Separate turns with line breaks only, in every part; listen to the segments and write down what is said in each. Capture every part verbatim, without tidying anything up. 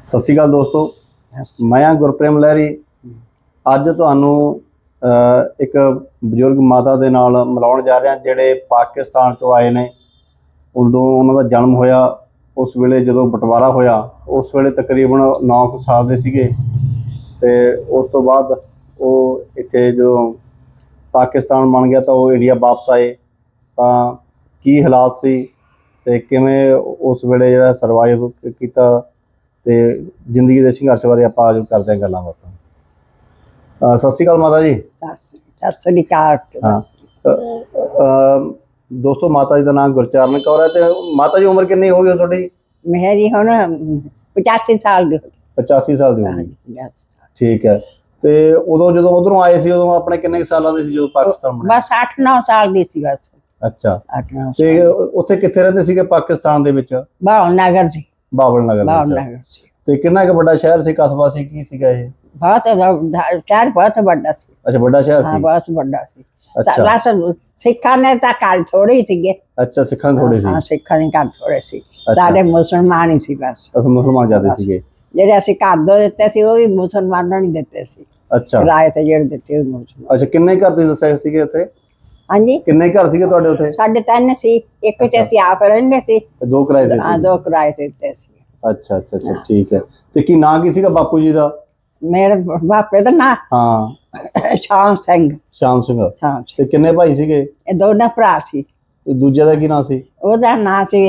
ਸਤਿ ਸ਼੍ਰੀ ਅਕਾਲ ਦੋਸਤੋ, ਮੈਂ ਹਾਂ ਗੁਰਪ੍ਰੇਮ ਲਹਿਰੀ। ਅੱਜ ਤੁਹਾਨੂੰ ਇੱਕ ਬਜ਼ੁਰਗ ਮਾਤਾ ਦੇ ਨਾਲ ਮਿਲਾਉਣ ਜਾ ਰਿਹਾ ਜਿਹੜੇ ਪਾਕਿਸਤਾਨ ਤੋਂ ਆਏ ਨੇ। ਉਦੋਂ ਉਹਨਾਂ ਦਾ ਜਨਮ ਹੋਇਆ, ਉਸ ਵੇਲੇ ਜਦੋਂ ਬਟਵਾਰਾ ਹੋਇਆ ਉਸ ਵੇਲੇ ਤਕਰੀਬਨ ਨੌ ਕੁ ਸਾਲ ਦੇ ਸੀਗੇ। ਅਤੇ ਉਸ ਤੋਂ ਬਾਅਦ ਉਹ ਇੱਥੇ ਜਦੋਂ ਪਾਕਿਸਤਾਨ ਬਣ ਗਿਆ ਤਾਂ ਉਹ ਇੰਡੀਆ ਵਾਪਸ ਆਏ। ਤਾਂ ਕੀ ਹਾਲਾਤ ਸੀ ਅਤੇ ਕਿਵੇਂ ਉਸ ਵੇਲੇ ਜਿਹੜਾ ਸਰਵਾਈਵ ਕੀਤਾ ਅਤੇ ਜ਼ਿੰਦਗੀ ਦੇ ਸੰਘਰਸ਼ ਬਾਰੇ ਆਪਾਂ ਅੱਜ ਕਰਦੇ ਹਾਂ ਗੱਲਾਂ ਬਾਤਾਂ। ਸਤਿ ਸ਼੍ਰੀ ਅਕਾਲ ਮਾਤਾ ਜੀ।
ਸਤਿ ਸ਼੍ਰੀ ਅਕਾਲ।
ਹਾਂ ਦੋਸਤੋ, ਮਾਤਾ ਜੀ ਦਾ ਨਾਮ ਗੁਰਚਰਨ ਕੌਰ ਹੈ। ਅਤੇ ਮਾਤਾ ਜੀ ਉਮਰ ਕਿੰਨੀ ਹੋ ਗਈ ਤੁਹਾਡੀ?
ਮੇਰੀ ਹੁਣ ਪਚਾਸੀ ਸਾਲ ਦੀ।
ਪਚਾਸੀ ਸਾਲ ਦੀ ਹੋ ਗਈ, ਠੀਕ ਹੈ। ਅਤੇ ਉਦੋਂ ਜਦੋਂ ਉੱਧਰੋਂ ਆਏ ਸੀ ਉਦੋਂ ਆਪਣੇ ਕਿੰਨੇ ਸਾਲਾਂ ਦੇ ਸੀ ਜਦੋਂ ਪਾਕਿਸਤਾਨ ਬਣਿਆ?
ਬਸ ਅੱਠ ਨੌ ਸਾਲ ਦੀ ਸੀ ਬਸ।
ਅੱਛਾ,
ਅੱਠ ਨੌ।
ਅਤੇ ਉੱਥੇ ਕਿੱਥੇ ਰਹਿੰਦੇ ਸੀਗੇ ਪਾਕਿਸਤਾਨ ਦੇ ਵਿੱਚ?
ਬਾਵਲ ਨਗਰ ਸੀ।
ਬਾਵਲ ਨਗਰ।
ਬਾਵਲ ਨਗਰ ਸੀ।
ਅਤੇ ਕਿੰਨਾ ਕੁ ਵੱਡਾ ਸ਼ਹਿਰ ਸੀ, ਕਸਬਾ ਸੀ, ਕੀ ਸੀਗਾ ਇਹ?
ਬਹੁਤ ਸ਼ਹਿਰ ਬਹੁਤ ਵੱਡਾ ਸੀ।
ਅੱਛਾ, ਵੱਡਾ ਸ਼ਹਿਰ ਸੀ।
ਹਾਂ, ਬਹੁਤ ਵੱਡਾ ਸੀ।
ਅੱਛਾ,
ਬਸ ਸਿੱਖਾਂ ਨੇ ਤਾਂ ਘਰ ਥੋੜੇ ਹੀ ਸੀਗੇ।
ਅੱਛਾ, ਸਿੱਖਾਂ ਦੇ ਥੋੜੇ ਸੀ।
ਹਾਂ, ਸਿੱਖਾਂ ਦੇ ਘਰ ਥੋੜੇ ਸੀ, ਸਾਰੇ ਮੁਸਲਮਾਨ ਹੀ ਸੀ ਬਸ।
ਅੱਛਾ, ਮੁਸਲਮਾਨ ਜ਼ਿਆਦਾ ਸੀਗੇ।
ਜਿਹੜੇ ਅਸੀਂ ਘਰ ਦੋ ਦਿੱਤੇ ਸੀ ਉਹ ਵੀ ਮੁਸਲਮਾਨਾਂ ਨੂੰ ਦਿੱਤੇ ਸੀ।
ਅੱਛਾ,
ਕਿਰਾਏ ਤੇ ਜਿਹੜੇ ਦਿੱਤੇ ਉਹ ਮੁਸਲਮਾਨ।
ਅੱਛਾ, ਕਿੰਨੇ ਘਰ ਤੁਸੀਂ ਦੱਸਿਆ ਸੀਗੇ ਉੱਥੇ?
ਹਾਂਜੀ,
ਕਿੰਨੇ ਘਰ ਸੀਗੇ ਤੁਹਾਡੇ ਉੱਥੇ?
ਸਾਡੇ ਤਿੰਨ ਸੀ, ਇੱਕ ਚ ਅਸੀਂ ਆਪ ਰਹਿੰਦੇ ਸੀ,
ਦੋ ਕਿਰਾਏ ਤੇ?
ਹਾਂ, ਦੋ ਕਿਰਾਏ ਤੇ ਦਿੱਤੇ ਸੀ।
ਅੱਛਾ ਅੱਛਾ ਅੱਛਾ, ਠੀਕ ਹੈ। ਤੇ ਕੀ ਨਾਂ ਕੀ ਸੀਗਾ ਬਾਪੂ ਜੀ ਦਾ?
ਮੇਰੇ ਬਾਪੇ ਦਾ ਨਾਂ
ਹਾਂ,
ਸ਼ਾਮ ਸਿੰਘ।
ਸ਼ਾਮ ਸਿੰਘ।
ਸ਼ਾਮ ਸਿੰਘ।
ਤੇ ਕਿੰਨੇ ਭਾਈ ਸੀਗੇ?
ਇਹ ਦੋਨੇ ਭਰਾ ਸੀ।
ਦੂਜੇ ਦਾ ਕੀ ਨਾਂ ਸੀ?
ਉਹਦਾ ਨਾਂ ਸੀ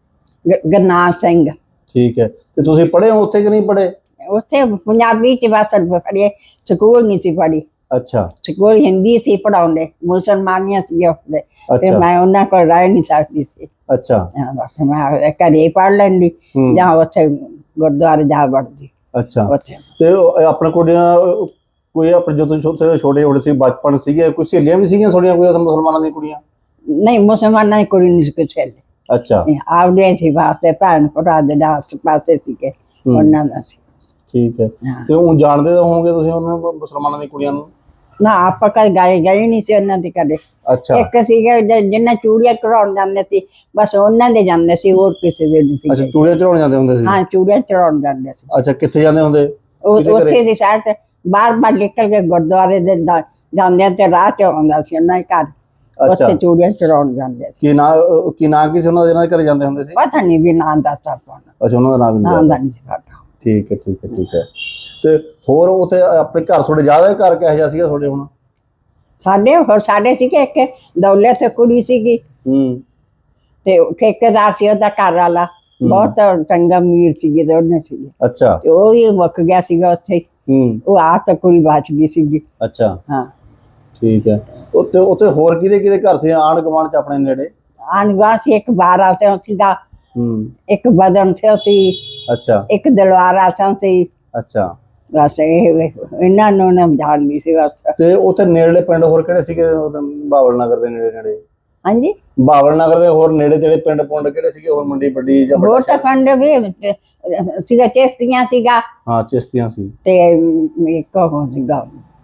ਗੁਰਨਾਮ ਸਿੰਘ।
ਠੀਕ ਹੈ। ਤੇ ਤੁਸੀਂ ਪੜ੍ਹੇ ਹੋ ਉੱਥੇ ਕਿ ਨਹੀਂ ਪੜ੍ਹੇ?
ਉੱਥੇ ਪੰਜਾਬੀ ਚ ਬਸ ਪੜ੍ਹੇ, ਸਕੂਲ ਨਹੀਂ ਸੀ ਪੜ੍ਹੀ।
ਅੱਛਾ,
ਸਕੂਲ ਹਿੰਦੀ ਸੀ ਪੜ੍ਹਾਉਂਦੇ, ਮੁਸਲਮਾਨੀਆਂ ਸੀ ਉੱਥੇ, ਤੇ ਮੈਂ ਉਹਨਾਂ ਕੋਲ ਰਹਿ ਨਹੀਂ ਸਕਦੀ ਸੀ।
ਅੱਛਾ,
ਬਸ ਮੈਂ ਘਰੇ ਪੜ੍ਹ ਲੈਂਦੀ ਜਾਂ ਉੱਥੇ ਗੁਰਦੁਆਰੇ ਜਾ ਵੜਦੀ।
ਅੱਛਾ। ਤੇ ਆਪਣੇ ਕੁੜੀਆਂ ਕੋਈ ਆਪਣੇ ਜਦੋਂ ਤੁਸੀਂ ਉੱਥੇ ਛੋਟੇ ਛੋਟੇ ਸੀ, ਬਚਪਨ ਸੀਗੇ, ਕੋਈ ਸਹੇਲੀਆਂ ਵੀ ਸੀਗੀਆਂ ਤੁਹਾਡੀਆਂ ਕੋਈ ਉੱਥੇ ਮੁਸਲਮਾਨਾਂ ਦੀਆਂ ਕੁੜੀਆਂ?
ਨਹੀਂ, ਮੁਸਲਮਾਨਾਂ ਦੀ ਕੁੜੀ ਨਹੀਂ ਸੀ ਕੋਈ ਸਹੇਲੀ। ਅੱਛਾ, ਆਪਦੇ ਸੀ ਵਾਸਤੇ, ਭੈਣ ਭਰਾ ਦੇ ਆਸ ਪਾਸੇ ਸੀਗੇ, ਉਹਨਾਂ ਦਾ ਸੀ।
ਠੀਕ ਹੈ। ਤੇ ਉਹ ਜਾਣਦੇ ਤਾਂ ਹੋਵੋਗੇ ਤੁਸੀਂ ਉਹਨਾਂ ਨੂੰ, ਮੁਸਲਮਾਨਾਂ ਦੀ ਕੁੜੀਆਂ ਨੂੰ?
ਨਾ, ਆਪਾਂ ਕਦੇ ਗਏ ਗਏ ਨਹੀਂ ਸੀ ਉਹਨਾਂ ਦੇ ਕਦੇ।
ਅੱਛਾ।
ਇੱਕ ਸੀਗੇ ਜਿੰਨਾ ਚੂੜੀਆਂ ਚੜਾਉਣ ਜਾਂਦੇ ਸੀ, ਬਸ ਉਹਨਾਂ ਦੇ ਜਾਂਦੇ ਸੀ, ਹੋਰ ਕਿਸੇ ਦੇ ਨਹੀਂ ਸੀ।
ਅੱਛਾ, ਚੂੜੀਆਂ ਚੜਾਉਣ ਜਾਂਦੇ ਹੁੰਦੇ ਸੀ?
ਹਾਂ, ਚੂੜੀਆਂ ਚੜਾਉਣ ਜਾਂਦੇ ਸੀ।
ਅੱਛਾ, ਕਿੱਥੇ ਜਾਂਦੇ ਹੁੰਦੇ?
ਉੱਥੇ ਦੀ ਸ਼ਹਿਰ ਚ ਬਾਹਰ ਬਾਹਰ ਨਿਕਲ ਕੇ ਗੁਰਦੁਆਰੇ ਦੇ ਜਾਂਦੇ ਤੇ ਰਾਹ ਚ ਆਉਂਦਾ ਸੀ ਉਹਨਾਂ ਦੇ ਘਰ, ਉੱਥੇ ਚੂੜੀਆਂ ਚੜਾਉਣ ਜਾਂਦੇ ਸੀ।
ਕੀ ਨਾਂ ਕੀ ਨਾਂ ਕੀ ਸੀ ਉਹਨਾਂ ਦੇ, ਜਿਹਨਾਂ ਦੇ ਘਰੇ ਜਾਂਦੇ ਹੁੰਦੇ ਸੀ?
ਪਤਾ ਨਹੀਂ ਵੀ ਨਾਂ ਦੱਸਦਾ ਪਾਉਣਾ।
ਅੱਛਾ, ਉਹਨਾਂ ਦਾ ਨਾਮ
ਨਾਂ ਦਾ ਨਹੀਂ ਸੀ ਪਤਾ।
ਠੀਕ ਹੈ, ਠੀਕ ਹੈ, ਠੀਕ ਹੈ। ਤੇ ਹੋਰ ਉੱਥੇ ਆਪਣੇ ਘਰ ਤੁਹਾਡੇ ਜ਼ਿਆਦਾ ਘਰ ਕਿਹੋ ਜਿਹਾ ਸੀਗਾ ਤੁਹਾਡੇ? ਹੁਣ
ਸਾਡੇ ਹੋਰ ਸਾਡੇ ਸੀਗੇ, ਇੱਕ ਦੌਲੇ ਤੇ ਕੁੜੀ ਸੀਗੀ,
ਹੂੰ, ਤੇ
ਠੇਕੇਦਾਰ ਸੀ ਉਹਦਾ ਘਰ ਵਾਲਾ, ਬਹੁਤ ਚੰਗਾ ਅਮੀਰ ਸੀਗੇ ਦੋਨੇ ਸੀਗੇ।
ਅੱਛਾ।
ਤੇ ਉਹ ਵੀ ਮੁੱਕ ਗਿਆ ਸੀਗਾ ਉੱਥੇ, ਉਹ ਆਪ ਤਾਂ ਕੁੜੀ ਬਚ ਗਈ ਸੀਗੀ।
ਅੱਛਾ,
ਹਾਂ,
ਠੀਕ ਹੈ। ਉੱਥੇ ਉੱਥੇ ਹੋਰ ਕਿਹਦੇ ਕਿਹਦੇ ਘਰ ਸੀ ਆਂਢ ਗੁਆਂਢ ਚ ਆਪਣੇ ਨੇੜੇ?
ਆਂਢ ਗੁਆਂਢ ਸੀ, ਇੱਕ ਬਾਰਾ ਸਿੰਘ ਸੀਗਾ, ਇੱਕ ਬਦਨ ਸਿੰਘ ਸੀ, ਅੱਛਾ, ਇੱਕ ਦਲਵਾਰਾ ਸਿੰਘ ਸੀ। ਅੱਛਾ, ਬਸ ਇਹ ਇਹਨਾਂ ਨੂੰ ਨਾ ਜਾਣਦੀ ਸੀ ਬਸ। ਤੇ
ਉੱਥੇ ਨੇੜਲੇ ਪਿੰਡ ਹੋਰ ਕਿਹੜੇ ਸੀਗੇ ਬਾਵਲ ਨਗਰ ਦੇ ਨੇੜੇ ਨੇੜੇ?
ਹਾਂਜੀ,
ਬਾਵਲ ਨਗਰ ਦੇ ਹੋਰ ਨੇੜੇ ਤੇੜੇ ਪਿੰਡ ਪੁੰਡ ਕਿਹੜੇ ਸੀਗੇ ਹੋਰ? ਮੰਡੀ ਵੱਡੀ ਜਾਂ
ਹੋਰ ਤਾਂ ਪਿੰਡ ਵੀ ਸੀਗਾ, ਚਿਸ਼ਤੀਆਂ ਸੀਗਾ।
ਹਾਂ, ਚਿਸ਼ਤੀਆਂ ਸੀ।
ਤੇ ਇੱਕ ਉਹ ਸੀਗਾ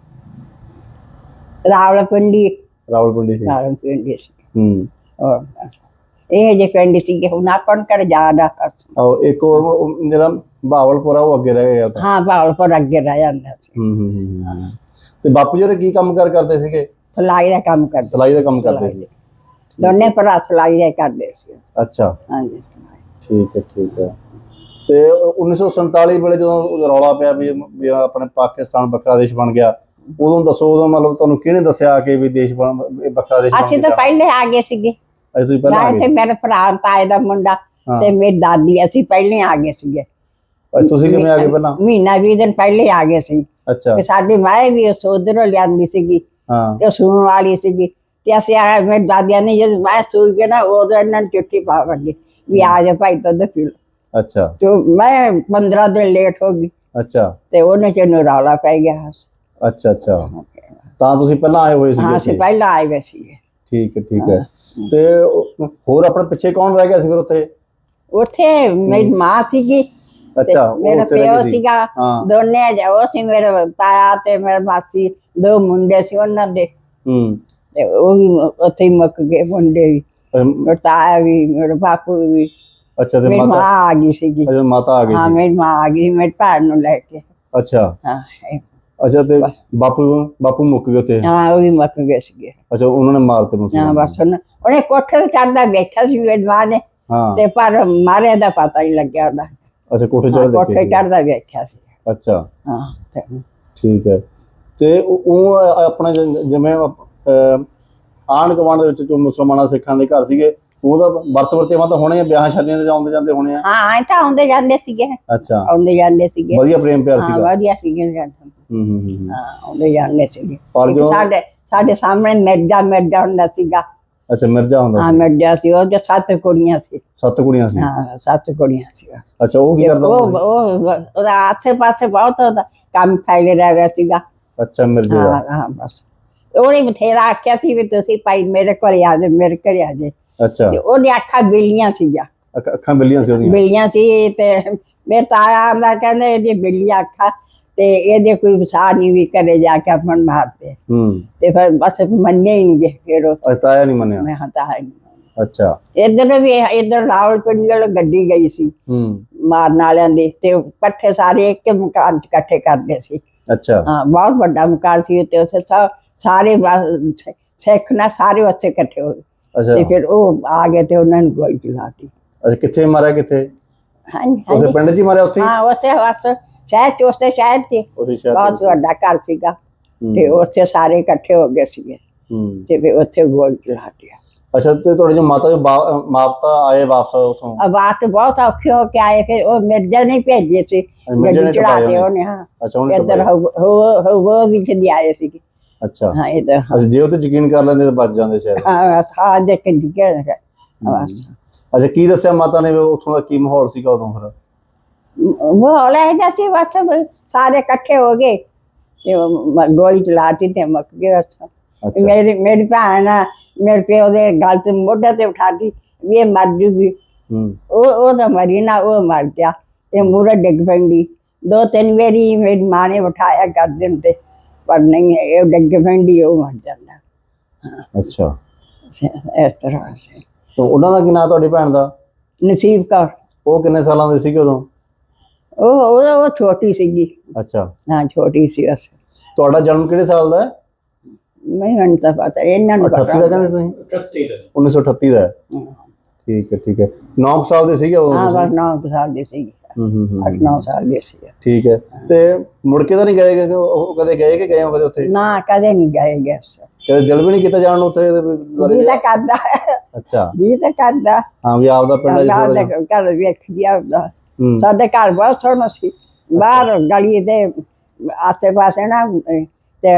ਰਾਵਲਪਿੰਡੀ।
ਰਾਵਲਪਿੰਡੀ ਸੀ।
ਰਾਵਲਪਿੰਡੀ ਸੀ।
ਹੂੰ,
ਹੋਰ ਇਹ ਜਿਹੇ ਪਿੰਡ ਸੀਗੇ, ਹੁਣ ਆਪਾਂ ਨੂੰ ਕਿਹੜਾ ਯਾਦ ਆ।
ਆਹੋ, ਇੱਕ ਉਹ ਜਿਹੜਾ ਬਹਾਵਲਪੁਰ ਆ ਉਹ ਅੱਗੇ ਰਹਿ ਗਿਆ।
ਹਾਂ, ਬਹਾਵਲਪੁਰ ਅੱਗੇ ਰਹਿ ਜਾਂਦਾ ਸੀ।
ਹੂੰ ਹੂੰ ਹੂੰ। ਤੇ ਬਾਪੂ ਜੀ ਕੀ ਕੰਮ ਕਾਰ ਕਰਦੇ ਸੀਗੇ?
ਸਿਲਾਈ ਦਾ ਕੰਮ ਕਰਦੇ।
ਸਿਲਾਈ ਦਾ ਕੰਮ ਕਰਦੇ ਸੀ?
ਦੋਨੇ ਭਰਾ ਸਿਲਾਈ ਦਾ ਕਰਦੇ ਸੀ।
ਅੱਛਾ,
ਹਾਂਜੀ,
ਠੀਕ ਹੈ, ਠੀਕ ਹੈ। ਤੇ ਉੱਨੀ ਸੌ ਸੰਤਾਲੀ ਵੇਲੇ ਜਦੋਂ ਰੌਲਾ ਪਿਆ ਵੀ ਆਪਣੇ ਪਾਕਿਸਤਾਨ ਵੱਖਰਾ ਦੇਸ਼ ਬਣ ਗਿਆ, ਉਦੋਂ ਦੱਸੋ, ਉਦੋਂ ਮਤਲਬ ਤੁਹਾਨੂੰ ਕਿਹਨੇ ਦੱਸਿਆ ਕਿ ਵੀ ਦੇਸ਼ ਬਣ ਵੱਖਰਾ ਦੇਸ਼?
ਅਸੀਂ ਤਾਂ ਪਹਿਲੇ ਆ ਗਏ ਸੀਗੇ।
ਤੁਸੀਂ ਪਹਿਲਾਂ ਆ ਗਏ?
ਤੇ ਮੇਰੇ ਭਰਾ ਤਾਏ ਦਾ ਮੁੰਡਾ ਤੇ ਮੇਰੀ ਦਾਦੀ, ਅਸੀਂ ਪਹਿਲੇ ਆ ਗਏ ਸੀਗੇ।
ਤੁਸੀਂ ਕਿਵੇਂ ਆ ਗਏ ਪਹਿਲਾਂ?
ਮਹੀਨਾ ਵੀਹ ਦਿਨ ਪਹਿਲੇ ਆ ਗਏ ਸੀ।
ਅੱਛਾ।
ਸਾਡੀ ਮਾਂ ਵੀ ਉਧਰੋਂ ਲਿਆਂਦੀ ਸੀਗੀ, ਤੇ ਸੂਣ ਵਾਲੀ ਸੀਗੀ, ਤੇ ਅਸੀਂ ਆ ਮੇਰੀ ਦਾਦੀਆਂ ਨੇ ਜਦ ਮੈਂ ਸੂਈ ਕੇ ਨਾ ਉਦੋਂ ਇਹਨਾਂ ਨੂੰ ਚਿੱਠੀ ਪਾ ਵਗੇ ਵੀ ਆ ਜਾ ਭਾਈ ਦੁੱਧ ਪੀ ਲਓ।
ਅੱਛਾ।
ਤੇ ਮੈਂ ਪੰਦਰਾਂ ਦਿਨ ਲੇਟ ਹੋ ਗਈ।
ਅੱਛਾ। ਤੇ
ਉਹਨੇ ਚ ਰੌਲਾ ਪੈ ਗਿਆ।
ਅੱਛਾ ਅੱਛਾ, ਤਾਂ ਤੁਸੀਂ ਪਹਿਲਾਂ ਆਏ ਹੋਏ ਸੀਗੇ?
ਹਾਂ, ਅਸੀਂ ਪਹਿਲਾਂ ਆਏ ਗਏ ਸੀਗੇ।
ਠੀਕ ਹੈ, ਠੀਕ ਹੈ। ਤੇ ਹੋਰ ਆਪਣੇ ਪਿੱਛੇ ਕੌਣ ਰਹਿ ਗਿਆ ਸੀ ਫਿਰ ਉੱਥੇ?
ਉੱਥੇ ਮੇਰੀ ਮਾਂ ਸੀਗੀ, ਮੇਰਾ ਪਿਓ ਸੀਗਾ, ਦੋਨੇ ਉਹ ਸੀ, ਮੇਰੇ ਤਾਇਆ ਤੇ ਮੇਰੇ ਮਾਸੀ, ਦੋ ਮੁੰਡੇ ਸੀ ਉਹਨਾਂ ਦੇ, ਤੇ ਉਹ ਵੀ ਉੱਥੇ ਹੀ ਮੁੱਕ ਗਏ ਮੁੰਡੇ ਵੀ, ਤਾਇਆ ਵੀ, ਮੇਰੇ ਬਾਪੂ ਵੀ।
ਅੱਛਾ ਤੇ
ਮੇਰੀ ਮਾਂ
ਮਾਤਾ
ਆ ਗਈ ਸੀਗੀ।
ਅੱਛਾ ਮਾਤਾ ਆ ਗਈ
ਹਾਂ
ਸੀ।
ਮੇਰੀ ਮਾਂ ਆ ਗਈ ਮੇਰੀ ਭੈਣ ਨੂੰ ਲੈ ਕੇ।
ਅੱਛਾ
ਹਾਂ ਇਹ-
ਅੱਛਾ ਤੇ ਬਾਪੂ ਬਾਪੂ ਮੁੱਕ ਗਏ ਉੱਥੇ।
ਹਾਂ ਉਹ ਵੀ ਮੁੱਕ ਗਏ ਸੀਗੇ।
ਅੱਛਾ ਉਹਨਾਂ ਨੇ ਮਾਰਤੇ ਮੁਸਲਮਾਨ।
ਹਾਂ ਬਸ ਉਹਨੇ ਉਹਨੇ ਕੋਠੇ ਤੇ ਚੜ੍ਹਦਾ ਵੇਖਿਆ ਸੀ ਮੇਰੀ ਮਾਂ ਨੇ,
ਹਾਂ
ਤੇ ਪਰ ਮਾਰੇ ਦਾ ਪਤਾ ਹੀ ਲੱਗਿਆ ਉਹਦਾ।
ਅੱਛਾ ਕੋਠੇ
ਹਾਂ,
ਚੜ੍ਹ
ਕੋਠੇ
ਦੇਖੇ।
ਚੜ੍ਹਦਾ ਵੇਖਿਆ ਸੀ।
ਅੱਛਾ
ਹਾਂ ਤੇ
ਠੀਕ ਹੈ। ਤੇ ਉਹ ਉਹ ਆਪਣੇ ਜ- ਜਿਵੇਂ ਆਂਢ ਗੁਆਂਢ ਦੇ ਵਿੱਚ ਜੋ ਮੁਸਲਮਾਨਾਂ ਸਿੱਖਾਂ ਦੇ ਘਰ ਸੀਗੇ, ਉਹਦਾ ਵਰਤ ਵਰਤੇਵਾਂ ਤਾਂ ਹੋਣੇ ਆ, ਵਿਆਹ ਸ਼ਾਦੀਆਂ ਤੇ ਆਉਂਦੇ ਜਾਂਦੇ ਹੋਣੇ ਆ।
ਹਾਂ ਐਂ ਤਾਂ ਆਉਂਦੇ ਜਾਂਦੇ ਸੀਗੇ।
ਅੱਛਾ
ਆਉਂਦੇ ਜਾਂਦੇ ਸੀਗੇ।
ਵਧੀਆ ਪ੍ਰੇਮ ਪਿਆਰ
ਹਾਂ
ਸੀਗਾ।
ਵਧੀਆ ਸੀਗੇ ਜਾਂਦੇ।
ਹੂੰ ਹੂੰ ਹੂੰ
ਹਾਂ ਆਉਂਦੇ ਜਾਂਦੇ ਸੀਗੇ।
ਪਰ
ਇੱਕ
ਜੋ
ਸਾਡੇ ਸਾਡੇ ਸਾਹਮਣੇ ਮਿਰਜ਼ਾ ਮਿਰਜ਼ਾ ਹੁੰਦਾ ਸੀਗਾ।
ਅੱਛਾ ਮਿਰਜ਼ਾ ਹੁੰਦਾ
ਹਾਂ
ਸੀ।
ਮਿਰਜ਼ਾ ਸੀ, ਉਹਦੇ ਸੱਤ ਕੁੜੀਆਂ ਸੀ।
ਸੱਤ ਕੁੜੀਆਂ ਸੀ।
ਹਾਂ ਸੱਤ ਕੁੜੀਆਂ ਸੀ।
ਅੱਛਾ ਉਹ ਕੀ ਕਰਦਾ
ਉਹ
ਹੁੰਦਾ
ਉਹ ਉਹਦਾ ਆਸੇ ਪਾਸੇ ਬਹੁਤ ਉਹਦਾ ਕੰਮ ਫੈਲਿਆ ਰਿਹਾ ਸੀਗਾ।
ਸੀ? ਅੱਛਾ ਮਿਰਜ਼ੇ ਦਾ।
ਹਾਂ ਹਾਂ ਬਸ ਉਹਨੇ ਬਥੇਰਾ ਆਖਿਆ ਸੀ ਵੀ ਤੁਸੀਂ ਭਾਈ ਮੇਰੇ ਕੋਲ ਆ ਜਾਓ, ਮੇਰੇ ਘਰੇ ਆ ਜਾਓ।
ਅੱਛਾ
ਤੇ ਉਹਦੇ ਅੱਖਾਂ ਬਿੱਲੀਆਂ ਸੀਗੀਆਂ।
ਅੱਖ- ਅੱਖਾਂ ਬਿੱਲੀਆਂ ਸੀ ਉਹਦੀਆਂ।
ਬਿੱਲੀਆਂ ਸੀ ਤੇ ਮੇਰੇ ਤਾਇਆ ਆਂਦਾ ਕਹਿੰਦੇ ਇਹਦੀ ਬਿੱਲੀਆਂ ਅੱਖਾਂ ਤੇ ਇਹਦੇ ਕੋਈ ਵਸਾ ਨਹੀਂ ਵੀ ਘਰੇ ਜਾ ਕੇ ਆਪਣ ਮਾਰਦੇ।
ਹੂੰ
ਤੇ ਫਿਰ ਬਸ ਮੰਨੇ ਹੀ ਨਹੀਂ ਗਏ। ਫਿਰ ਉਹ
ਅੱਛਾ ਤਾਇਆ ਨਹੀਂ ਮੰਨਿਆ।
ਮੈਂ ਹਤਾ ਹੈ
ਅੱਛਾ
ਇੱਧਰ ਵੀ ਇੱਧਰ ਰਾਵਲਪਿੰਡੀ ਵਾਲ ਗੱਡੀ ਗਈ ਸੀ
ਹੂੰ
ਮਾਰਨ ਵਾਲਿਆਂ ਦੀ, ਤੇ ਉਹ ਇਕੱਠੇ ਸਾਰੇ ਇੱਕ ਮਕਾਨ 'ਚ ਇਕੱਠੇ ਕਰਦੇ ਸੀ।
ਅੱਛਾ
ਹਾਂ ਬਹੁਤ ਵੱਡਾ ਮਕਾਨ ਸੀ ਤੇ ਉੱਥੇ ਸਾ- ਸਾਰੇ ਵਾ- ਸਿੱਖ ਨਾ ਸਾਰੇ ਉੱਥੇ ਇਕੱਠੇ ਹੋ ਗਏ।
ਅੱਛਾ
ਤੇ ਫਿਰ ਉਹ ਆ ਗਏ ਤੇ ਉਹਨਾਂ ਨੂੰ ਗੋਲੀ ਚਲਾਤੀ।
ਅੱਛਾ ਕਿੱਥੇ ਮਾਰਿਆ ਕਿੱਥੇ?
ਹਾਂਜੀ
ਉਸੇ
ਹਾਂਜੀ
ਪਿੰਡ 'ਚ ਹੀ ਮਾਰਿਆ ਉੱਥੇ ਹੀ?
ਹਾਂ ਉੱਥੇ ਬਸ ਸ਼ਹਿਰ ਚ ਉਸੇ ਸ਼ਹਿਰ ਚ
ਉਸੇ ਸ਼ਹਿਰ
ਬਹੁਤ
ਦੇ
ਵੱਡਾ ਘਰ ਸੀਗਾ।
ਹੂੰ,
ਤੇ ਉੱਥੇ ਸਾਰੇ ਇਕੱਠੇ ਹੋ ਗਏ ਸੀਗੇ
ਹੂੰ
ਤੇ ਫਿਰ ਉੱਥੇ ਗੋਲੀ ਚਲਾਤੀ।
ਅੱਛਾ ਤੇ ਤੁਹਾਡੇ ਜੋ ਮਾਤਾ ਜੋ ਬਾ- ਮਾਪਤਾ ਆਏ ਵਾਪਸ ਉੱਥੋਂ?
ਆਵਾਜ਼ ਤੇ ਬਹੁਤ ਔਖੇ ਹੋ ਕੇ ਆਏ। ਫਿਰ ਉਹ ਮਿਰਜ਼ਾ ਨੇ ਭੇਜੇ ਸੀ
ਮਿਰਜ਼ੇ ਨੇ
ਗੱਡੀ ਚੜਾ
ਟਪਾਏ
ਕੇ
ਉਹਨੇ?
ਉਹਨੇ। ਹਾਂ
ਅੱਛਾ ਉਹਨੇ
ਇੱਧਰ
ਟਪਾਏ।
ਉਹ ਵਿੱਚ ਦੀ ਆਏ ਸੀਗੇ।
ਅੱਛਾ
ਹਾਂ ਇੱਧਰ
ਅੱਛਾ ਜੇ ਉਹ ਤੇ ਯਕੀਨ ਕਰ ਲੈਂਦੇ ਤਾਂ ਬਚ ਜਾਂਦੇ ਸ਼ਾਇਦ।
ਹਾਂ ਸਾਹ ਦੇ ਕੇ ਡਿੱਗੇ ਬਸ।
ਅੱਛਾ ਕੀ ਦੱਸਿਆ ਮਾਤਾ ਨੇ ਵੀ ਉੱਥੋਂ ਦਾ ਕੀ ਮਾਹੌਲ ਸੀਗਾ ਉਦੋਂ ਫਿਰ?
ਉਹ ਲੈ ਜਾ ਸੀ ਬਸ ਵੀ ਸਾਰੇ ਇਕੱਠੇ ਹੋ ਗਏ ਤੇ ਉਹ ਮ- ਗੋਲੀ ਚਲਾਤੀ ਤੇ ਮੁੱਕ ਗਏ ਬਸ।
ਅੱਛਾ
ਮੇਰੀ ਮੇਰੀ ਭੈਣ ਆ, ਮੇਰੇ ਪਿਓ ਦੇ ਗਲ ਤੇ ਮੋਢੇ ਤੇ ਉਠਾਤੀ ਵੀ ਇਹ ਮਰ ਜੂਗੀ।
ਹੂੰ
ਉਹ ਉਹ ਤਾਂ ਮਰੀ ਨਾ, ਉਹ ਮਰ ਗਿਆ। ਇਹ ਮੂਹਰੇ ਡਿੱਗ ਪੈਂਦੀ। ਦੋ ਤਿੰਨ ਵਾਰੀ ਮੇਰੀ ਮਾਂ ਨੇ ਉਠਾਇਆ ਗਰਦਨ ਤੇ, ਪਰ ਨਹੀਂ ਇਹ ਡਿੱਗ ਪੈਂਦੀ ਉਹ ਮਰ ਜਾਂਦਾ।
ਅੱਛਾ
ਇਸ ਤਰ੍ਹਾਂ ਸੀ।
ਤੇ ਉਹਨਾਂ ਦਾ ਕੀ ਨਾਂ ਤੁਹਾਡੀ ਭੈਣ ਦਾ?
ਨਸੀਬ ਕੌਰ।
ਉਹ ਕਿੰਨੇ ਸਾਲਾਂ ਦੇ ਸੀਗੇ ਉਦੋਂ?
ਉਹ ਉਹ ਉਹ ਛੋਟੀ ਸੀਗੀ।
ਅੱਛਾ
ਹਾਂ ਛੋਟੀ ਸੀ ਬਸ।
ਤੁਹਾਡਾ ਜਨਮ ਕਿਹੜੇ ਸਾਲ ਦਾ ਹੈ?
ਮੈਨੂੰ ਤਾਂ ਪਤਾ ਇਹਨਾਂ ਨੂੰ
ਅਠੱਤੀ ਦਾ ਕਹਿੰਦੇ ਤੁਸੀਂ?
ਅਠੱਤੀ ਦਾ।
ਉੱਨੀ ਸੌ ਅਠੱਤੀ ਦਾ ਹੈ।
ਹਾਂ
ਠੀਕ ਹੈ ਠੀਕ ਹੈ। ਨੌ ਸਾਲ ਦੇ ਸੀਗੇ ਉਦੋਂ
ਹਾਂ
ਤੁਸੀਂ?
ਬਸ ਨੌ ਕੁ ਸਾਲ ਦੀ ਸੀ।
ਹੂੰ ਹੂੰ ਹੂੰ
ਅੱਠ ਨੌ ਸਾਲ ਦੀ ਸੀ।
ਠੀਕ ਹੈ। ਤੇ ਮੁੜ ਕੇ ਤਾਂ ਨਹੀਂ ਗਏ ਕਿ ਉਹ ਕਦੇ ਗਏ ਕਿ ਗਏ ਹੋ ਕਦੇ ਉੱਥੇ?
ਨਾ ਕਦੇ ਨਹੀਂ ਗਏ ਗੈਸ।
ਕਦੇ ਦਿਲ ਵੀ ਨਹੀਂ ਕੀਤਾ ਜਾਣ ਨੂੰ ਉੱਥੇ?
ਜੀ ਤਾਂ ਕਰਦਾ
ਅੱਛਾ
ਜੀ ਤਾਂ ਕਰਦਾ।
ਹਾਂ ਵੀ ਆਪਦਾ ਪਿੰਡ ਹੈ ਜੀ ਥੋੜ੍ਹਾ ਜਿਹਾ।
ਘਰ ਵੇਖ ਗਿਆ ਉਹਦਾ।
ਹੂੰ
ਸਾਡੇ ਘਰ ਬਹੁਤ ਸੋਹਣਾ ਸੀ। ਬਾਹਰ ਗਲੀ ਦੇ ਆਸੇ ਪਾਸੇ ਨਾ ਤੇ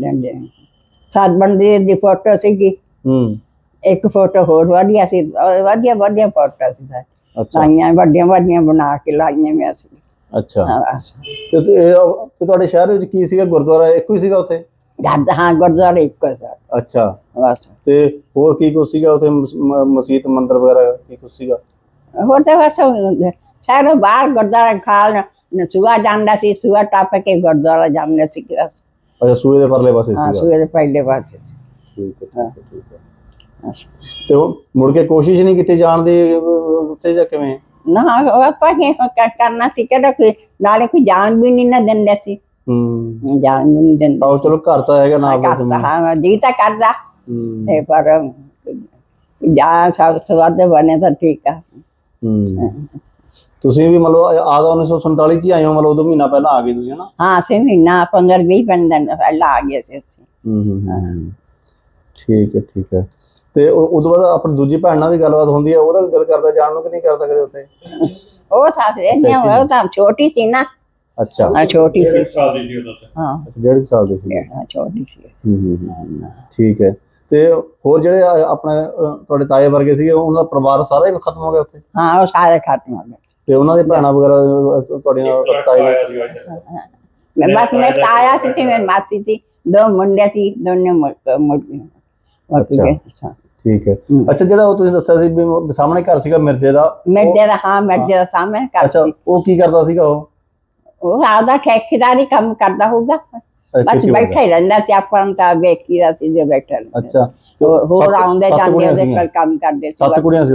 ਸੱਤ ਬੰਦੇ ਦੀ ਫੋਟੋ ਸੀਗੀ।
ਹੂੰ
ਇੱਕ ਫੋਟੋ ਹੋਰ ਵਧੀਆ ਸੀ। ਵਧੀਆ ਵਧੀਆ ਫੋਟੋ ਸੀ ਸਾਰੇ
ਅੱਛਾ
ਲਾਈਆਂ, ਵੱਡੀਆਂ ਵੱਡੀਆਂ ਬਣਾ ਕੇ ਲਾਈਆਂ ਮੈਂ ਸੀ।
ਅੱਛਾ
ਹਾਂ ਬਸ
ਤੇ ਤੇ ਇਹ- ਤੇ ਤੁਹਾਡੇ ਸ਼ਹਿਰ ਵਿੱਚ ਕੀ ਸੀਗਾ? ਗੁਰਦੁਆਰਾ ਇੱਕੋ ਹੀ ਸੀਗਾ ਉੱਥੇ?
ਗੱਦ ਹਾਂ ਗੁਰਦੁਆਰਾ ਇੱਕੋ ਸੀ
ਅੱਛਾ
ਬਸ।
ਤੇ ਹੋਰ ਕੀ ਕੁਛ ਸੀਗਾ ਉੱਥੇ? ਮਸ- ਮ- ਮਸੀਤ ਮੰਦਿਰ ਵਗੈਰਾ ਕੀ ਕੁਛ ਸੀਗਾ?
ਹੋਰ ਤਾਂ ਬਸ ਸ਼ਹਿਰੋਂ ਬਾਹਰ ਗੁਰਦੁਆਰਾ ਖਾਲ ਸੂਆ ਜਾਂਦਾ ਸੀ। ਸੂਆ ਟੱਪ ਕੇ ਗੁਰਦੁਆਰਾ ਜਾਂਦੇ ਸੀ।
ਅੱਛਾ ਸੂਏ ਦੇ ਪਰਲੇ ਪਾਸੇ
ਹਾਂ
ਸੀਗਾ।
ਸੂਏ ਦੇ ਪਹਿਲੇ ਪਾਸੇ ਸੀ।
ਠੀਕ ਹੈ ਠੀਕ ਹੈ ਠੀਕ ਹੈ।
ਬਸ।
ਤੇ ਉਹ ਮੁੜ ਕੇ ਕੋਸ਼ਿਸ਼ ਨਹੀਂ ਕੀਤੀ ਜਾਣ ਦੀ ਅਹ, ਉੱਥੇ ਜਾਂ ਕਿਵੇਂ?
ਨਾ ਉਹ ਆਪਾਂ ਕੀ ਕ- ਕਰਨਾ ਸੀ ਕਿਹੜਾ ਕੋਈ ਨਾਲੇ ਕੋਈ ਜਾਣ ਵੀ ਨਹੀਂ ਨਾ ਦਿੰਦੇ ਸੀ।
ਹੂੰ
ਜਾਣ ਵੀ ਨਹੀਂ ਦਿੰਦੇ
ਆਓ
ਸੀ।
ਚਲੋ ਘਰ ਤਾਂ ਹੈਗਾ ਨਾ
ਕਰਦਾ ਹਾਂ ਜੀ ਤਾਂ ਕਰਦਾ
ਹੂੰ
ਤੇ ਪਰ ਜਾਂ ਸਭ ਸਵਾਦ ਬਣੇ ਤਾਂ ਠੀਕ ਆ।
ਹੂੰ ਤੁਸੀਂ ਵੀ ਮਤਲਬ ਆਦਾ ਉੱਨੀ ਸੌ ਸੰਤਾਲੀ ਚ ਹੀ ਆਏ ਹੋ? ਮਤਲਬ ਉਦੋਂ ਮਹੀਨਾ ਪਹਿਲਾਂ ਆ ਗਏ ਤੁਸੀਂ ਹਨਾ?
ਹਾਂ ਅਸੀਂ ਮਹੀਨਾ ਪੰਦਰਾਂ ਵੀਹ ਦਿਨ ਪਹਿਲਾਂ ਆ ਗਏ ਸੀ ਅਸੀਂ।
ਹੂੰ ਹੂੰ ਹੂੰ ਠੀਕ ਹੈ ਠੀਕ ਹੈ। ਤੇ ਉਹ ਉਦੋਂ ਬਾਅਦ ਆਪਣੀ ਦੂਜੀ ਭੈਣ ਨਾਲ ਵੀ ਗੱਲਬਾਤ ਹੁੰਦੀ ਹੈ? ਉਹਦਾ ਵੀ ਦਿਲ ਕਰਦਾ ਜਾਣ ਨੂੰ ਕਿ ਨਹੀਂ ਕਰਦਾ ਕਦੇ ਉੱਥੇ?
ਉਹ ਤਾਂ ਇੰਨੇ ਉਹ ਤਾਂ ਛੋਟੀ ਸੀ ਨਾ।
ਅੱਛਾ
ਹਾਂ ਛੋਟੀ ਸੀ।
ਡੇਢ ਸਾਲ ਦੀ ਸੀ ਉਦੋਂ ਤਾਂ।
ਹਾਂ
ਅੱਛਾ ਡੇਢ ਕੁ ਸਾਲ ਦੇ ਸੀ।
ਹਾਂ ਛੋਟੀ ਸੀ।
ਹੂੰ ਹੂੰ ਹੂੰ ਠੀਕ ਹੈ। ਤੇ ਹੋਰ ਜਿਹੜੇ ਅ- ਆਪਣੇ ਅ, ਤੁਹਾਡੇ ਤਾਏ ਵਰਗੇ ਸੀਗੇ ਉਹਨਾਂ ਦਾ ਪਰਿਵਾਰ ਸਾਰਾ ਹੀ ਖਤਮ ਹੋ ਗਿਆ ਉੱਥੇ?
ਹਾਂ ਉਹ ਸਾਰੇ ਖਤਮ ਹੋ ਗਏ।
ਤੇ ਉਹਨਾਂ ਦੇ ਭੈਣਾਂ ਵਗੈਰਾ ਅ, ਤੁਹਾਡੀਆਂ
ਇੱਕ ਲੜਕਾ
ਤਾਏ
ਆਇਆ
ਦੇ?
ਸੀਗਾ ਇੱਧਰ।
ਮੈਂ ਬਸ ਮੈਂ ਤਾਇਆ ਸੀ ਤੇ ਮੇਰੀ ਮਾਸੀ ਸੀ। ਦੋ ਮੁੰਡੇ ਸੀ ਦੋਨੇ ਮੁੜ ਮੁੜ ਗਏ। ਮੁੱਕ
ਅੱਛਾ।
ਗਏ ਸੀ।
ਠੀਕ ਹੈ।
ਹੂੰ।
ਅੱਛਾ ਜਿਹੜਾ ਉਹ ਤੁਸੀਂ ਦੱਸਿਆ ਸੀ ਵੀ ਸਾਹਮਣੇ ਘਰ ਸੀਗਾ ਮਿਰਜ਼ੇ ਦਾ,
ਮਿਰਜ਼ੇ ਦਾ ਹਾਂ ਮਿਰਜ਼ੇ ਦਾ ਸਾਹਮਣੇ ਘਰ
ਅੱਛਾ
ਸੀ।
ਉਹ ਕੀ ਕਰਦਾ ਸੀਗਾ ਉਹ?
ਉਹ ਆਪਦਾ ਠੇਕੇਦਾਰੀ ਕੰਮ ਕਰਦਾ ਹੋਊਗਾ।
ਅ,
ਬਸ
ਖੇਤੀ
ਬੈਠਾ ਹੀ ਰਹਿੰਦਾ ਸੀ। ਆਪਾਂ ਨੂੰ ਤਾਂ ਵੇਖੀਦਾ ਸੀ ਜੇ ਬੈਠਾ ਰਹਿੰਦਾ।
ਅੱਛਾ ਤੇ
ਹੋਰ ਹੋਰ
ਸੱਤ-
ਆਉਂਦੇ
ਸੱਤ
ਜਾਂਦੇ
ਕੁੜੀਆਂ
ਉਹਦੇ
ਸੀਗੀਆਂ?
ਕੋਲ ਕੰਮ ਕਰਦੇ ਸੀ
ਸੱਤ
ਬਸ।
ਕੁੜੀਆਂ ਸੀ ਉਹਦੀਆਂ?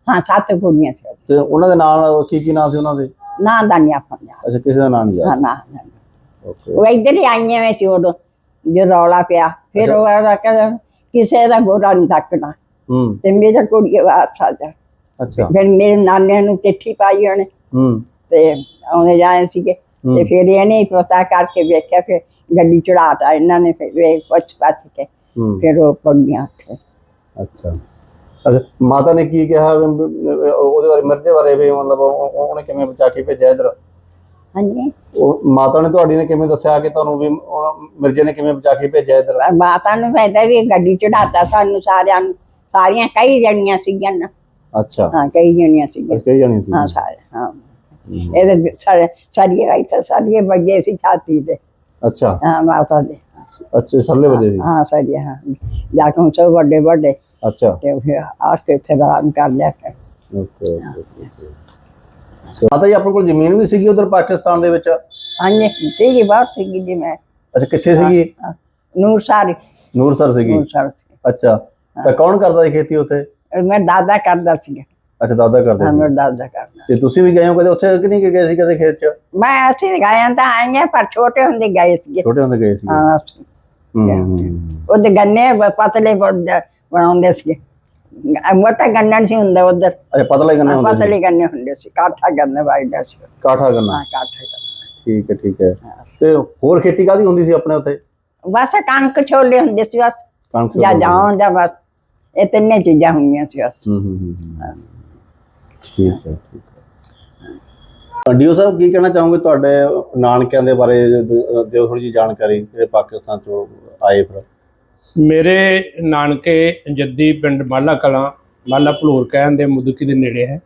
ਹਾਂ ਸੱਤ ਕੁੜੀਆਂ ਸੀ।
ਤੇ ਉਹਨਾਂ ਦੇ ਨਾਲ ਕੀ ਕੀ ਨਾਂ ਸੀ ਉਹਨਾਂ ਦੇ?
ਨਾਂ ਦਾ ਨਹੀਂ ਆਪਾਂ ਨੂੰ।
ਅੱਛਾ, ਕਿਸੇ ਦਾ ਨਾਂ ਨਹੀਂ
ਹਾਂ
ਯਾਦ?
ਨਾ
ਓਕੇ।
ਉਹ ਇੱਧਰ ਹੀ ਆਈਆਂ ਵੇ ਸੀ ਉਦੋਂ ਜੋ ਰੌਲਾ ਪਿਆ। ਫਿਰ ਉਹ ਕਹਿੰਦਾ ਕਿਸੇ ਦਾ ਗੋਰਾ ਨਹੀਂ ਤੱਕਣਾ
ਹੂੰ
ਤੇ ਮੇਰਾ ਕੁੜੀ ਵਾਪਸ ਆ ਜਾ।
ਅੱਛਾ।
ਫਿਰ ਮੇਰੇ ਨਾਨੇ ਨੂੰ ਚਿੱਠੀ ਪਾਈ ਉਹਨੇ
ਹੂੰ
ਤੇ ਆਉਂਦੇ ਜਾਏ ਸੀਗੇ ਤੇ ਫਿਰ ਇਹਨੇ ਹੀ ਪਤਾ ਕਰਕੇ ਵੇਖਿਆ ਫਿਰ ਗੱਡੀ ਚੜਾਤਾ ਇਹਨਾਂ ਨੇ। ਫਿਰ ਵੇਖ ਪੁੱਛ ਪੱਛ ਕੇ ਫਿਰ ਉਹ ਪੜੀਆਂ ਉੱਥੇ।
ਅੱਛਾ ਅੱਛਾ, ਮਾਤਾ ਨੇ ਕੀ ਕਿਹਾ ਉਹਦੇ ਬਾਰੇ, ਮਿਰਜ਼ੇ ਬਾਰੇ ਵੀ? ਮਤਲਬ ਉਹਨੇ ਕਿਵੇਂ ਬਚਾ ਕੇ ਭੇਜਿਆ ਇੱਧਰ?
ਹਾਂਜੀ,
ਉਹ ਮਾਤਾ ਨੇ ਤੁਹਾਡੀ ਨੇ ਕਿਵੇਂ ਦੱਸਿਆ ਕਿ ਤੁਹਾਨੂੰ ਵੀ ਮਿਰਜ਼ੇ ਨੇ ਕਿਵੇਂ ਬਚਾ ਕੇ ਭੇਜਿਆ ਇੱਧਰ?
ਮਾਤਾ ਨੂੰ ਫਾਇਦਾ ਵੀ ਗੱਡੀ ਚੜਾਤਾ ਸਾਨੂੰ ਸਾਰਿਆਂ ਨੂੰ, ਸਾਰੀਆਂ ਕਈ ਜਣੀਆਂ ਸੀਗੀਆਂ ਨਾ। ਅੱਛਾ ਹਾਂ, ਕਈ ਜਣੀਆਂ ਸੀਗੀਆਂ।
ਕਈ ਜਣੀਆਂ ਸੀ?
ਹਾਂ ਸਾਰੇ। ਹਾਂ ਇਹਦੇ ਸਾਰੇ ਸਾਰੀਆਂ ਇੱਥੇ ਸਾਰੀਆਂ ਵੱਜੇ ਸੀ ਛਾਤੀ ਤੇ। ਅੱਛਾ ਹਾਂ ਮਾਤਾ ਦੇ।
ਅੱਛਾ, ਸਰਲੇ ਵਜੇ ਸੀ?
ਹਾਂ ਸਾਰੀਆਂ। ਹਾਂ ਜਾ ਕੇ ਸਭ ਵੱਡੇ ਵੱਡੇ। ਅੱਛਾ। ਤੇ ਫਿਰ ਆ ਕੇ ਇੱਥੇ ਆਰਾਮ ਕਰ ਲਿਆ ਕਰ।
ਓਕੇ। ਮਾਤਾ ਜੀ ਆਪਣੇ ਕੋਲ ਜ਼ਮੀਨ ਵੀ ਸੀਗੀ ਉਧਰ ਪਾਕਿਸਤਾਨ ਦੇ ਵਿੱਚ?
ਹਾਂਜੀ ਸੀਗੀ, ਬਹੁਤ ਸੀਗੀ ਜੀ। ਮੈਂ
ਅੱਛਾ, ਕਿੱਥੇ ਸੀਗੀ?
ਨੂਰਸਰ।
ਨੂਰਸਰ ਸੀਗੀ?
ਨੂਰਸਰ। ਅੱਛਾ,
ਤਾਂ ਕੌਣ ਕਰਦਾ ਸੀ ਖੇਤੀ ਉੱਥੇ?
ਮੈਂ ਦਾਦਾ ਕਰਦਾ ਸੀਗਾ।
ਅੱਛਾ, ਦਾਦਾ ਕਰਦੇ ਸੀ?
ਮੇਰਾ ਦਾਦਾ ਕਰਦਾ।
ਤੇ ਤੁਸੀਂ ਵੀ ਗਏ ਹੋ ਕਦੇ ਉੱਥੇ ਕਿ ਨਹੀਂ ਗਏ ਸੀ ਕਦੇ ਖੇਤ 'ਚ?
ਮੈਂ ਅਸੀਂ ਗਏ ਤਾਂ ਆਏ ਪਰ ਛੋਟੇ ਹੁੰਦੇ ਗਏ ਸੀਗੇ।
ਛੋਟੇ ਹੁੰਦੇ ਗਏ ਸੀਗੇ?
ਹਾਂ। ਉਹਦੇ ਗੰਨੇ ਪਤਲੇ ਬਣਾਉਂਦੇ ਸੀਗੇ। ਮੋਟਾ ਗੰਨਾ ਨਹੀਂ ਹੁੰਦਾ ਉਧਰ।
ਅੱਛਾ, ਪਤਲੇ ਗੰਨੇ ਹੁੰਦੇ ਸੀ?
ਪਤਲੇ ਗੰਨੇ ਹੁੰਦੇ ਸੀ। ਕਾਠਾ ਗੰਨਾ ਵਾਈਦਾ ਸੀ।
ਕਾਠਾ ਗੰਨਾ?
ਹਾਂ ਕਾਠਾ ਗੰਨਾ।
ਠੀਕ ਹੈ ਠੀਕ ਹੈ। ਤੇ ਹੋਰ ਖੇਤੀ ਕਾਹਦੀ ਹੁੰਦੀ ਸੀ ਆਪਣੇ ਉੱਥੇ?
ਬਸ ਕਣਕ ਛੋਲੇ ਹੁੰਦੇ ਸੀ ਬਸ।
ਕਣਕ
ਜਾਂ ਜਾਉਂ ਜਾਂ ਬਸ ਇਹ ਤਿੰਨੇ ਚੀਜ਼ਾਂ ਹੁੰਦੀਆਂ ਸੀ ਬਸ।
ਹੂੰ ਹੂੰ ਹੂੰ ਠੀਕ ਹੈ ਠੀਕ ਹੈ। ਡੀਓ ਸਾਹਿਬ ਕੀ ਕਹਿਣਾ ਚਾਹੋਗੇ ਤੁਹਾਡੇ ਨਾਨਕਿਆਂ ਦੇ ਬਾਰੇ? ਦਿਓ ਥੋੜੀ ਜਿਹੀ ਜਾਣਕਾਰੀ ਜਿਹੜੇ ਪਾਕਿਸਤਾਨ ਚੋਂ ਆਏ ਫਿਰ।
ਮੇਰੇ ਨਾਨਕੇ ਜੱਦੀ ਪਿੰਡ ਮਾਲਾ ਕਲਾਂ, ਮਾਲਾ ਭਲੂਰ ਕਹਿਣ ਦੇ ਮੁਦਕੀ ਦੇ ਨੇੜੇ ਹੈ।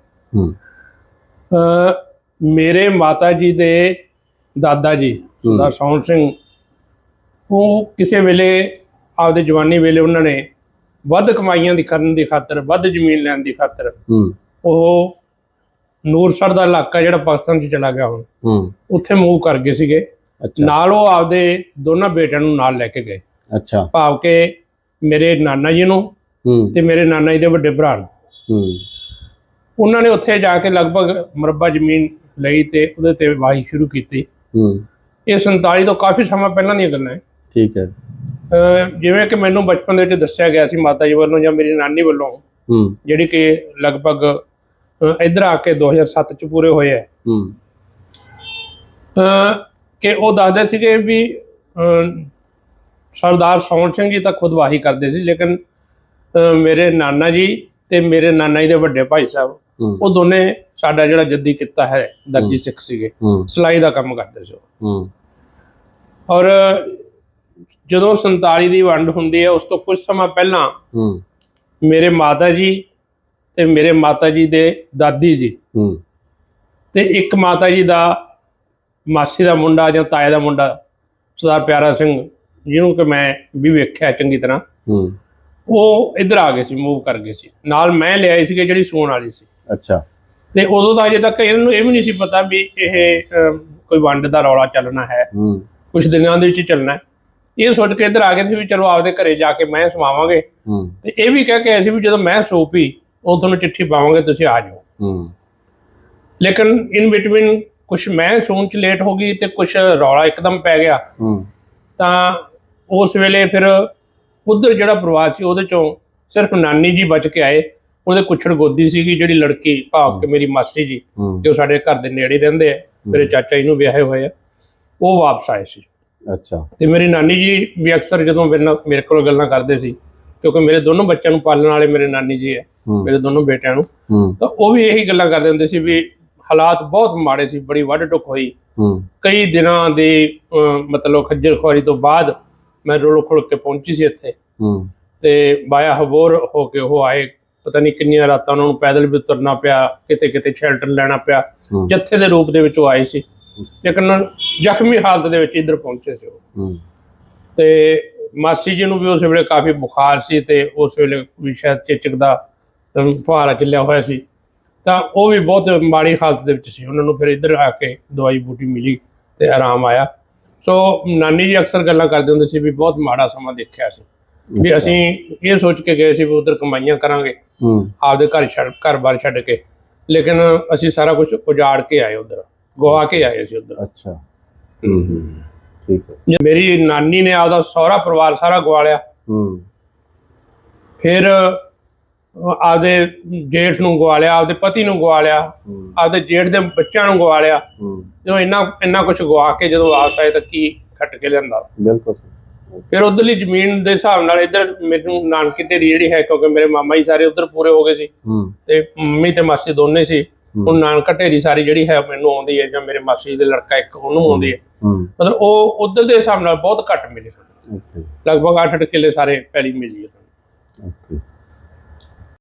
ਮੇਰੇ ਮਾਤਾ ਜੀ ਦੇ ਦਾਦਾ ਜੀ ਸਰਦਾਰ ਸੌਣ ਸਿੰਘ, ਉਹ ਕਿਸੇ ਵੇਲੇ ਆਪਦੇ ਜਵਾਨੀ ਵੇਲੇ ਉਹਨਾਂ ਨੇ ਵੱਧ ਕਮਾਈਆਂ ਦੀ ਕਰਨ ਦੀ ਖਾਤਰ, ਵੱਧ ਜ਼ਮੀਨ ਲੈਣ ਦੀ ਖਾਤਰ ਉਹ ਨੂਰਸਰ ਦਾ ਇਲਾਕਾ ਜਿਹੜਾ ਪਾਕਿਸਤਾਨ 'ਚ ਚਲਾ ਗਿਆ ਹੁਣ, ਉੱਥੇ ਮੂਵ ਕਰ ਗਏ ਸੀਗੇ। ਨਾਲ ਉਹ ਆਪਦੇ ਦੋਨਾਂ ਬੇਟਿਆਂ ਨੂੰ ਨਾਲ ਲੈ ਕੇ ਗਏ। ਅੱਛਾ। ਭਾਵ ਕਿ ਮੇਰੇ ਨਾਨਾ ਜੀ ਨੂੰ ਤੇ ਮੇਰੇ ਨਾਨਾ ਜੀ ਦੇ ਵੱਡੇ ਭਰਾ ਨੂੰ। ਉਹਨਾਂ ਨੇ ਉੱਥੇ ਜਾ ਕੇ ਲਗਭਗ ਮੁਰੱਬਾ ਜ਼ਮੀਨ ਲਈ ਤੇ ਉਹਦੇ ਤੇ ਵਾਹੀ ਸ਼ੁਰੂ ਕੀਤੀ। ਇਹ ਸੰਤਾਲੀ ਤੋਂ ਕਾਫੀ ਸਮਾਂ ਪਹਿਲਾਂ ਦੀਆਂ ਗੱਲਾਂ ਹੈ। ਠੀਕ ਹੈ। ਜਿਵੇਂ ਕਿ ਮੈਨੂੰ ਬਚਪਨ ਦੇ ਵਿੱਚ ਦੱਸਿਆ ਗਿਆ ਸੀ ਮਾਤਾ ਜੀ ਵੱਲੋਂ ਜਾਂ ਮੇਰੀ ਨਾਨੀ ਵੱਲੋਂ, ਜਿਹੜੀ ਕਿ ਲਗਭਗ ਇੱਧਰ ਆ ਕੇ ਦੋ ਹਜ਼ਾਰ ਸੱਤ 'ਚ ਪੂਰੇ ਹੋਏ ਹੈ, ਕਿ ਉਹ ਦੱਸਦੇ ਸੀਗੇ ਵੀ ਸਰਦਾਰ ਸੌਣ ਸਿੰਘ ਜੀ ਤਾਂ ਖੁਦ ਵਾਹੀ ਕਰਦੇ ਸੀ, ਲੇਕਿਨ ਮੇਰੇ ਨਾਨਾ ਜੀ ਤੇ ਮੇਰੇ ਨਾਨਾ ਜੀ ਦੇ ਵੱਡੇ ਭਾਈ ਸਾਹਿਬ, ਉਹ ਦੋਨੇ ਸਾਡਾ ਜਿਹੜਾ ਜੱਦੀ ਕਿੱਤਾ ਹੈ ਦਰਜੀ ਸਿੱਖ ਸੀਗੇ, ਸਿਲਾਈ ਦਾ ਕੰਮ ਕਰਦੇ ਸੀ। ਔਰ ਜਦੋਂ ਸੰਤਾਲੀ ਦੀ ਵੰਡ ਹੁੰਦੀ ਹੈ ਉਸ ਤੋਂ ਕੁਝ ਸਮਾਂ ਪਹਿਲਾਂ ਮੇਰੇ ਮਾਤਾ ਜੀ ਤੇ ਮੇਰੇ ਮਾਤਾ ਜੀ ਦੇ ਦਾਦੀ ਜੀ ਤੇ ਇੱਕ ਮਾਤਾ ਜੀ ਦਾ ਮਾਸੀ ਦਾ ਮੁੰਡਾ ਜਾਂ ਤਾਏ ਦਾ ਮੁੰਡਾ ਸਰਦਾਰ ਪਿਆਰਾ ਸਿੰਘ, ਜਿਹਨੂੰ ਕਿ ਮੈਂ ਵੀ ਵੇਖਿਆ ਚੰਗੀ ਤਰ੍ਹਾਂ, ਉਹ ਇੱਧਰ ਆ ਗਏ ਸੀ, ਮੂਵ ਕਰ ਗਏ ਸੀ। ਨਾਲ ਮੈਂ ਲਿਆਈ ਸੀਗੇ ਜਿਹੜੀ ਸੂਣ ਵਾਲੀ ਸੀ। ਅੱਛਾ। ਤੇ ਉਦੋਂ ਦਾ ਅਜੇ ਤੱਕ ਇਹਨਾਂ ਨੂੰ ਇਹ ਵੀ ਨਹੀਂ ਸੀ ਪਤਾ ਵੀ ਇਹ ਕੋਈ ਵੰਡ ਦਾ ਰੌਲਾ ਚੱਲਣਾ ਹੈ, ਕੁਛ ਦਿਨਾਂ ਦੇ ਵਿੱਚ ਚੱਲਣਾ। ਇਹ ਸੋਚ ਕੇ ਇੱਧਰ ਆ ਗਏ ਸੀ ਵੀ ਚਲੋ ਆਪਦੇ ਘਰੇ ਜਾ ਕੇ ਮੈਂ ਸਮਾਵਾਂਗੇ, ਤੇ ਇਹ ਵੀ ਕਹਿ ਕੇ ਆਏ ਸੀ ਵੀ ਜਦੋਂ ਮੈਂ ਸੋ ਪਈ ਉਹ ਤੁਹਾਨੂੰ ਚਿੱਠੀ ਪਾਵਾਂਗੇ, ਤੁਸੀਂ ਆ ਜਾਓ। ਲੇਕਿਨ ਇਨ ਬਿਟਵੀਨ ਕੁਛ ਮੈਂ ਸੌਣ 'ਚ ਲੇਟ ਹੋ ਗਈ ਤੇ ਕੁਛ ਰੌਲਾ ਇੱਕਦਮ ਪੈ ਗਿਆ। ਤਾਂ ਉਸ ਵੇਲੇ ਫਿਰ ਉੱਧਰ ਜਿਹੜਾ ਪਰਿਵਾਰ ਸੀ ਉਹਦੇ ਚੋਂ ਸਿਰਫ ਨਾਨੀ ਜੀ ਬਚ ਕੇ ਆਏ। ਉਹਦੇ ਕੁੱਛੜ ਗੋਦੀ ਸੀਗੀ ਜਿਹੜੀ ਲੜਕੀ, ਭਾਵ ਕਿ ਮੇਰੀ ਮਾਸੀ ਜੀ ਜੋ ਸਾਡੇ ਘਰ ਦੇ ਨੇੜੇ ਰਹਿੰਦੇ ਆ, ਮੇਰੇ ਚਾਚਾ ਜੀ ਨੂੰ ਵਿਆਹੇ ਹੋਏ ਆ, ਉਹ ਵਾਪਸ ਆਏ ਸੀ। ਅੱਛਾ। ਤੇ ਮੇਰੀ ਨਾਨੀ ਜੀ ਵੀ ਅਕਸਰ ਜਦੋਂ ਮੇਰੇ ਨਾਲ ਮੇਰੇ ਕੋਲ ਗੱਲਾਂ ਕਰਦੇ ਸੀ, ਕਿਉਂਕਿ ਮੇਰੇ ਦੋਨੋਂ ਬੱਚਿਆਂ ਨੂੰ ਪਾਲਣ ਵਾਲੇ ਮੇਰੇ ਨਾਨੀ ਜੀ ਹੈ, ਮੇਰੇ ਦੋਨੋਂ ਬੇਟਿਆਂ ਨੂੰ, ਤਾਂ ਉਹ ਵੀ ਇਹੀ ਗੱਲਾਂ ਕਰਦੇ ਹੁੰਦੇ ਸੀ ਵੀ ਹਾਲਾਤ ਬਹੁਤ ਮਾੜੇ ਸੀ, ਬੜੀ ਵੱਢ ਟੁੱਕ ਹੋਈ। ਕਈ ਦਿਨਾਂ ਦੀ ਮਤਲਬ ਖੱਜਲ ਖੁਆਰੀ ਤੋਂ ਬਾਅਦ ਮੈਂ ਰੁਲ ਖੁਲ ਕੇ ਪਹੁੰਚੀ ਸੀ ਇੱਥੇ, ਤੇ ਬਾਇਆ ਹਬੋਰ ਹੋ ਕੇ ਉਹ ਆਏ। ਪਤਾ ਨਹੀਂ ਕਿੰਨੀਆਂ ਰਾਤਾਂ ਉਹਨਾਂ ਨੂੰ ਪੈਦਲ ਵੀ ਤੁਰਨਾ ਪਿਆ, ਕਿਤੇ ਕਿਤੇ ਸ਼ੈਲਟਰ ਲੈਣਾ ਪਿਆ। ਜੱਥੇ ਦੇ ਰੂਪ ਦੇ ਵਿੱਚ ਉਹ ਆਏ ਸੀ, ਲੇਕਿਨ ਜ਼ਖਮੀ ਹਾਲਤ ਦੇ ਵਿੱਚ ਇੱਧਰ ਪਹੁੰਚੇ ਸੀ ਉਹ। ਤੇ ਮਾਸੀ ਜੀ ਨੂੰ ਵੀ ਉਸ ਵੇਲੇ ਕਾਫੀ ਬੁਖਾਰ ਸੀ ਤੇ ਉਸ ਵੇਲੇ ਵੀ ਸ਼ਾਇਦ ਚੇਚਕ ਦਾ ਫੁਹਾਰਾ ਚੱਲਿਆ ਹੋਇਆ ਸੀ, ਤਾਂ ਉਹ ਵੀ ਬਹੁਤ ਮਾੜੀ ਹਾਲਤ ਦੇ ਵਿੱਚ ਸੀ। ਉਹਨਾਂ ਨੂੰ ਫਿਰ ਇੱਧਰ ਆ ਕੇ ਦਵਾਈ ਬੂਟੀ ਮਿਲੀ ਤੇ ਆਰਾਮ ਆਇਆ। ਸੋ ਨਾਨੀ ਜੀ ਅਕਸਰ ਗੱਲਾਂ ਕਰਦੇ ਹੁੰਦੇ ਸੀ ਵੀ ਬਹੁਤ ਮਾੜਾ ਸਮਾਂ ਦੇਖਿਆ ਸੀ। ਵੀ
ਅੱਛਾ।
ਅਸੀਂ ਇਹ ਸੋਚ ਕੇ ਗਏ ਸੀ ਵੀ ਉਧਰ ਕਮਾਈਆਂ ਕਰਾਂਗੇ,
ਹੂੰ
ਆਪਦੇ ਘਰ ਛੱਡ ਘਰ-ਬਾਰ ਛੱਡ ਕੇ, ਲੇਕਿਨ ਅਸੀਂ ਸਾਰਾ ਕੁਝ ਉਜਾੜ ਕੇ ਆਏ, ਉਧਰ ਗਵਾ ਕੇ ਆਏ ਅਸੀਂ ਉਧਰ।
ਅੱਛਾ। ਹੂੰ ਹੂੰ ਠੀਕ ਹੈ।
ਮੇਰੀ ਨਾਨੀ ਨੇ ਆਪਦਾ ਸਹੁਰਾ ਪਰਿਵਾਰ ਸਾਰਾ ਗਵਾ ਲਿਆ,
ਹੂੰ
ਫਿਰ ਆਪਦੇ ਜੇਠ ਨੂੰ ਗਵਾ ਲਿਆ, ਆਪਦੇ ਪਤੀ ਨੂੰ ਗਵਾ ਲਿਆ,
ਹੂੰ
ਆਪਦੇ ਜੇਠ ਦੇ ਬੱਚਿਆਂ ਨੂੰ ਗਵਾ ਲਿਆ।
ਹੂੰ
ਜਦੋਂ ਇੰਨਾ ਇੰਨਾ ਕੁਝ ਗਵਾ ਕੇ ਜਦੋਂ ਵਾਪਸ ਆਏ ਤਾਂ ਕੀ ਖੱਟ ਕੇ ਲਿਆਂਦਾ।
ਬਿਲਕੁਲ ਸਹੀ।
ਫਿਰ ਉਧਰਲੀ ਜ਼ਮੀਨ ਦੇ ਹਿਸਾਬ ਨਾਲ ਇੱਧਰ ਮੈਨੂੰ ਨਾਨਕੀ ਢੇਰੀ ਜਿਹੜੀ ਹੈ, ਕਿਉਂਕਿ ਮੇਰੇ ਮਾਮਾ ਜੀ ਸਾਰੇ ਉਧਰ ਪੂਰੇ ਹੋ ਗਏ ਸੀ
ਹੂੰ
ਤੇ ਮੰਮੀ ਤੇ ਮਾਸੀ ਦੋਨੇ ਸੀ। ਹੁਣ ਨਾਨਕਾ ਢੇਰੀ ਸਾਰੀ ਜਿਹੜੀ ਹੈ ਮੈਨੂੰ ਆਉਂਦੀ ਹੈ, ਜਾਂ ਮੇਰੇ ਮਾਸੀ ਦੇ ਲੜਕਾ ਇੱਕ ਉਹਨੂੰ ਆਉਂਦੀ ਹੈ।
ਹੂੰ
ਮਤਲਬ ਉਹ ਉਧਰ ਦੇ ਹਿਸਾਬ ਨਾਲ ਬਹੁਤ ਘੱਟ ਮਿਲੇ,
ਓਕੇ
ਲਗਭਗ ਅੱਠ ਅੱਠ ਕਿੱਲੇ ਸਾਰੇ ਪੈਲੀ ਮਿਲੀ ਹੈ।
ਓਕੇ।